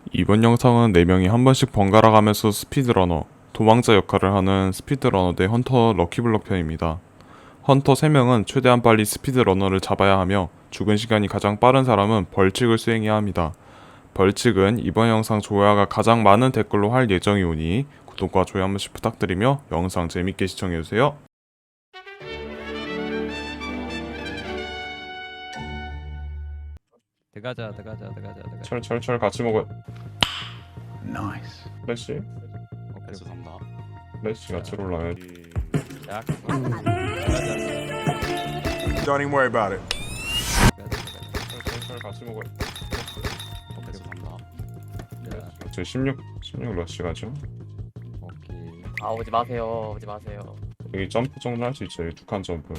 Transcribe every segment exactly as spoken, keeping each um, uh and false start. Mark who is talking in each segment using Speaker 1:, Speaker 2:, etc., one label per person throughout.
Speaker 1: 이번 영상은 네 명이 한 번씩 번갈아 가면서 스피드러너, 도망자 역할을 하는 스피드러너 대 헌터 럭키블럭 편입니다. 헌터 세 명은 최대한 빨리 스피드러너를 잡아야 하며 죽은 시간이 가장 빠른 사람은 벌칙을 수행해야 합니다. 벌칙은 이번 영상 조회가 가장 많은 댓글로 할 예정이오니 구독과 좋아요 한 번씩 부탁드리며 영상 재밌게 시청해주세요.
Speaker 2: 들어가자 들어가자 들어가자 들어가자.
Speaker 1: 철철철 같이 먹어요.
Speaker 3: 나이스.
Speaker 1: 플래시?
Speaker 2: 오케이.
Speaker 4: 죄송합니다.
Speaker 1: 플래시 같이 올라야지.
Speaker 2: 약. 들어가자.
Speaker 3: Don't even worry about it.
Speaker 1: 철철철 같이 먹어요.
Speaker 2: 오케이.
Speaker 4: 죄송합니다.
Speaker 2: 자,
Speaker 1: 저 십육, 십육 러시 가죠.
Speaker 2: 오케이.
Speaker 5: 아 오지 마세요 오지 마세요.
Speaker 1: 여기 점프 정도 할 수 있어요. 두 칸 점프.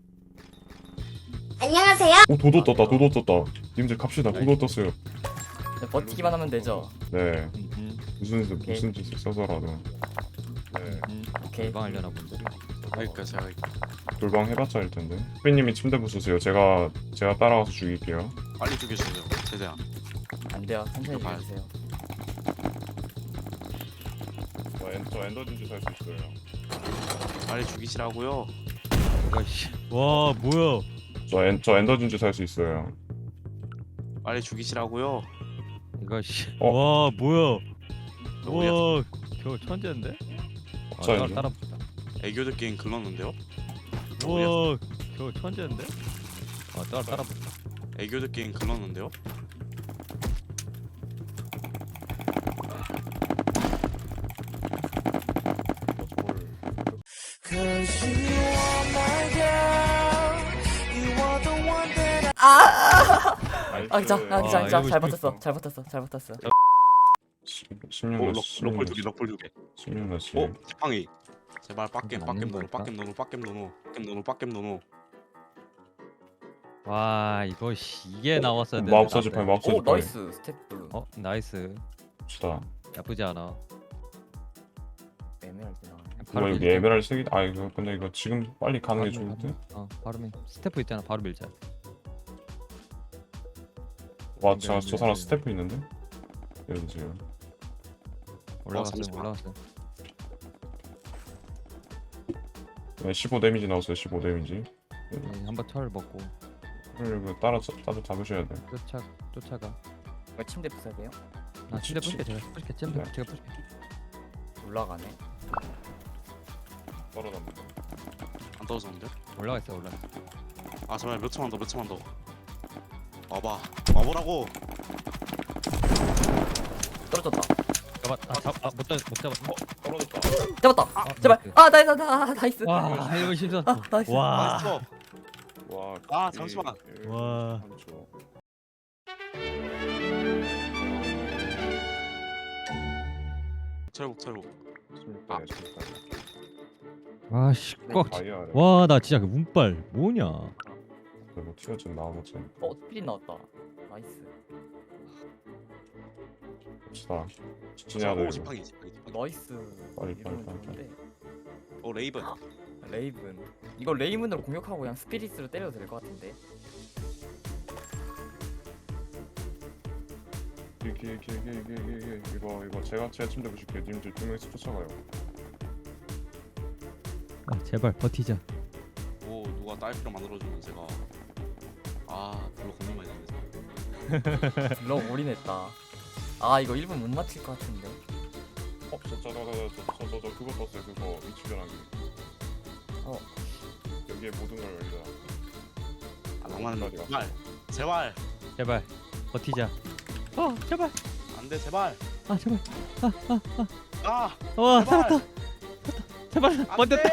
Speaker 6: 안녕하세요.
Speaker 1: 오 도도 떴다. 도도 떴다. 님들 갑시다. 도도 떴어요.
Speaker 5: 네, 버티기만 하면 되죠.
Speaker 1: 네.
Speaker 2: 음,
Speaker 1: 무슨 짓
Speaker 5: 오케이.
Speaker 1: 무슨 짓을 써서라도. 네.
Speaker 2: 음.
Speaker 5: 오케이.
Speaker 2: 방 하려나 본데.
Speaker 4: 그러니까 제가
Speaker 1: 돌방 해봤자 할 텐데. 후비님이 침대 부수세요. 제가 제가 따라가서 죽일게요.
Speaker 4: 빨리 죽여주세요. 최대한.
Speaker 5: 안 돼요. 천천히
Speaker 4: 봐요.
Speaker 5: 해주세요.
Speaker 1: 저, 엔, 저 엔더 진주 살 수 있어요.
Speaker 4: 빨리 죽이시라고요.
Speaker 2: 이거 씨. 와 뭐야?
Speaker 1: 저, 엔, 저 엔더 진주 살 수 있어요.
Speaker 4: 빨리 죽이시라고요.
Speaker 2: 이거 씨.
Speaker 1: 어?
Speaker 2: 와 뭐야?
Speaker 4: 너무
Speaker 2: 와 겨우 천재인데? 아, 따라
Speaker 1: 업자인데?
Speaker 2: 따라 붙다.
Speaker 4: 애교들 게임 글렀는데요?
Speaker 2: 와 겨우 천재인데? 아 따라 따라 붙다.
Speaker 4: 애교들 게임 글렀는데요?
Speaker 5: 아 진짜 아 진짜
Speaker 2: 아,
Speaker 5: 진짜
Speaker 2: 이거
Speaker 5: 잘
Speaker 2: 재밌어.
Speaker 5: 버텼어 잘 버텼어 잘 버텼어.
Speaker 1: 십육
Speaker 4: 오,
Speaker 1: 러시.
Speaker 4: 럭, 럭폴 두개 럭폴 두개
Speaker 1: 십육 러시.
Speaker 4: 어? 지팡이. 제발 빡겜
Speaker 2: 맞는
Speaker 4: 빡겜 노노
Speaker 2: 걸까?
Speaker 4: 빡겜 노노 빡겜 노노 빡겜 노노 빡겜 노노.
Speaker 2: 와 이거 씨 이게 나왔어야 돼.
Speaker 1: 마법사 지팡이 마법사
Speaker 5: 오
Speaker 1: 지팡이.
Speaker 5: 나이스 스태프.
Speaker 2: 어 나이스.
Speaker 1: 봅시다.
Speaker 2: 나쁘지 않아.
Speaker 5: 에메랄드 나와.
Speaker 1: 뭐 여기
Speaker 2: 밀자.
Speaker 1: 에메랄드 세 개. 아 이거 근데 이거 지금 빨리 가는 게
Speaker 2: 바로
Speaker 1: 좋을 듯.
Speaker 2: 밀- 어 바로 밀. 스태프 있잖아 바로 밀자.
Speaker 1: 와,
Speaker 2: 네,
Speaker 1: 저,
Speaker 2: 네,
Speaker 1: 저 사람
Speaker 2: 네.
Speaker 1: 스태프 있는데? 여기세요.
Speaker 2: 올라갔어
Speaker 4: 잠시만.
Speaker 2: 올라갔어.
Speaker 1: 네, 십오 데미지 나왔어요. 십오 데미지.
Speaker 2: 네, 한번 철 먹고
Speaker 1: 그리고 따라 따라 잡으셔야 돼.
Speaker 2: 쫓아 쫓아가.
Speaker 5: 이거 침대 부숴야 돼요?
Speaker 2: 나 침대
Speaker 1: 치-
Speaker 2: 부실게 제가 부실게 침대
Speaker 1: 네.
Speaker 2: 제가 부실게.
Speaker 5: 올라가네.
Speaker 1: 떨어졌는데.
Speaker 4: 안 떨어졌는데?
Speaker 2: 올라가 있어 올라.
Speaker 4: 아 제발 몇 초만 더 몇 초만 더. 와봐. 와보라고.
Speaker 5: 떨어졌다.
Speaker 2: 잡아 아잡아못 잡 못 잡아. 어?
Speaker 1: 떨어졌다.
Speaker 5: 잡았다.
Speaker 2: 아,
Speaker 5: 제발.
Speaker 2: 나이스.
Speaker 5: 아 나이스 나 나이스.
Speaker 2: 와 이거 심상.
Speaker 5: 아 나이스.
Speaker 2: 와.
Speaker 4: 나이스.
Speaker 1: 와.
Speaker 4: 아, 잠시만.
Speaker 2: 와.
Speaker 1: 삼 초.
Speaker 4: 철복 철복.
Speaker 1: 십육 대 십육 대.
Speaker 2: 아씨 꽉.
Speaker 1: 다이아래.
Speaker 2: 와나 진짜 그 운빨 뭐냐?
Speaker 1: 그리고 튀어진 나오겠지.
Speaker 5: 어 스피릿 나왔다. 나이스.
Speaker 1: 봅시다. 직진해야 돼.
Speaker 4: 오
Speaker 1: 이거.
Speaker 4: 지팡이 지팡이 지팡이.
Speaker 5: 나이스.
Speaker 1: 빨리,
Speaker 5: 이러면
Speaker 1: 빨리, 빨리,
Speaker 5: 좋은데.
Speaker 4: 오 레이븐.
Speaker 5: 레이븐. 이거 레이븐으로 공격하고 그냥 스피릿으로 때려도 될 것 같은데.
Speaker 1: 이게 이게 이게 이게 이게 이게 이거 이거 제가 제 침대 보실게요. 님들 두 명이서 쫓아가요.
Speaker 2: 아 제발 버티자.
Speaker 4: 오 누가 딸피로 만들어주면 제가 아 별로 고민 많이 되네.
Speaker 5: 블럭 올인했다. 아 이거 일 분 못 맞힐 것 같은데.
Speaker 1: 어, 저저저저저저 저 그거 떴어요. 그거 위치 변하기.
Speaker 5: 어.
Speaker 1: 여기에 모든 걸 열자.
Speaker 4: 아 낭만은
Speaker 1: 어디가?
Speaker 4: 제발 제발
Speaker 2: 제발 버티자. 어 제발.
Speaker 4: 안돼 제발.
Speaker 2: 아 제발.
Speaker 4: 아
Speaker 2: 와
Speaker 4: 제발.
Speaker 2: 살았다. 제발
Speaker 4: 안돼.
Speaker 2: 버텼다.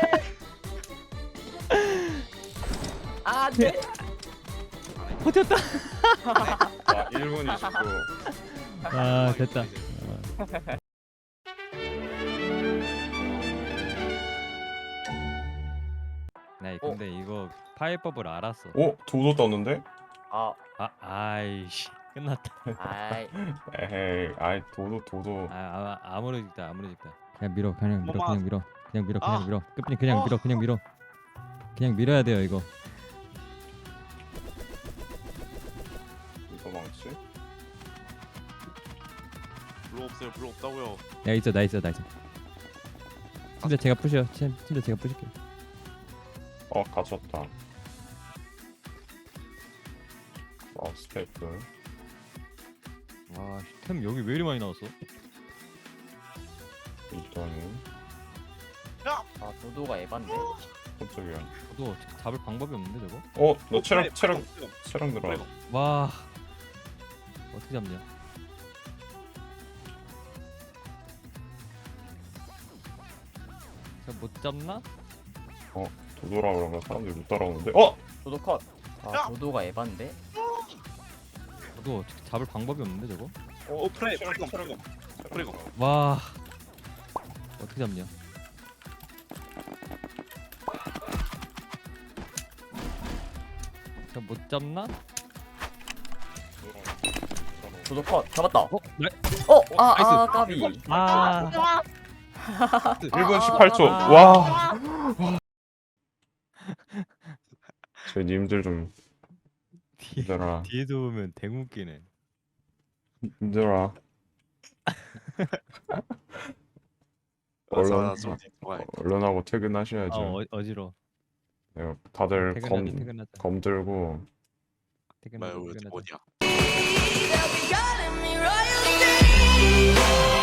Speaker 5: 아 네.
Speaker 2: 버텼다.
Speaker 1: 자, 일 분 이십 초.
Speaker 2: 아 됐다. 네 근데 이거 파이법을 알았어.
Speaker 1: 오, 도도 떴는데?
Speaker 5: 아
Speaker 2: 아 아이씨 끝났다.
Speaker 5: 아이.
Speaker 1: 에헤이, 아이 도도 도도.
Speaker 2: 아, 아 아무로 찍다 아무로 찍다. 그냥 밀어 그냥 밀어
Speaker 4: 엄마.
Speaker 2: 그냥 밀어 그냥 밀어 그냥
Speaker 4: 아.
Speaker 2: 밀어 끝까지 그냥
Speaker 4: 어.
Speaker 2: 밀어 그냥 밀어 그냥 밀어야 돼요 이거.
Speaker 1: 이거 망치?
Speaker 4: 블록 없어요. 블록 없다고요.
Speaker 2: 야 있어 나 있어 나 있어. 팀장 제가 부셔. 팀 팀장 제가 부실게요.
Speaker 1: 어 가졌다. 마우스 테이프.
Speaker 2: 와템 여기 왜 이리 많이 나왔어?
Speaker 1: 일단은
Speaker 5: 아 도도가 에반데.
Speaker 1: 깜짝이야.
Speaker 2: 저도 잡을 방법이 없는데 저거?
Speaker 1: 어, 너 체력 체력 체력 늘어.
Speaker 2: 와 어떻게 잡냐? 제가 못 잡나?
Speaker 1: 도도라 그러면 사람들이 못 따라오는데. 어,
Speaker 5: 도도 컷. 아 도도가 에반데.
Speaker 2: 저도 어떻게 잡을 방법이 없는데 저거?
Speaker 4: 어 프레이 프레이검 프레이검 프레이검.
Speaker 2: 와 어떻게 잡냐? 제가 못 잡나?
Speaker 5: 도도 컷. 잡았다.
Speaker 2: 어? 네?
Speaker 5: 어, 아,
Speaker 2: 나이스.
Speaker 5: 아, 까비.
Speaker 2: 아
Speaker 1: 일 분 십팔 초.
Speaker 2: 아.
Speaker 1: 와. 제 님들 좀
Speaker 2: 뒤에,
Speaker 1: 힘들어.
Speaker 2: 뒤에서 오면 대웃기네.
Speaker 1: 힘들어. 얼른
Speaker 4: 맞아, 좀 들어가야
Speaker 1: 얼른 하고
Speaker 2: 아
Speaker 1: 퇴근하셔야죠.
Speaker 2: 어, 어지러.
Speaker 1: 네, 다들
Speaker 2: 퇴근하자
Speaker 1: 검
Speaker 2: 퇴근하자.
Speaker 1: 검 들고
Speaker 2: 퇴근하자
Speaker 4: 뭐야
Speaker 2: 퇴근하자.
Speaker 4: 어디야?
Speaker 6: They'll be calling me royalty.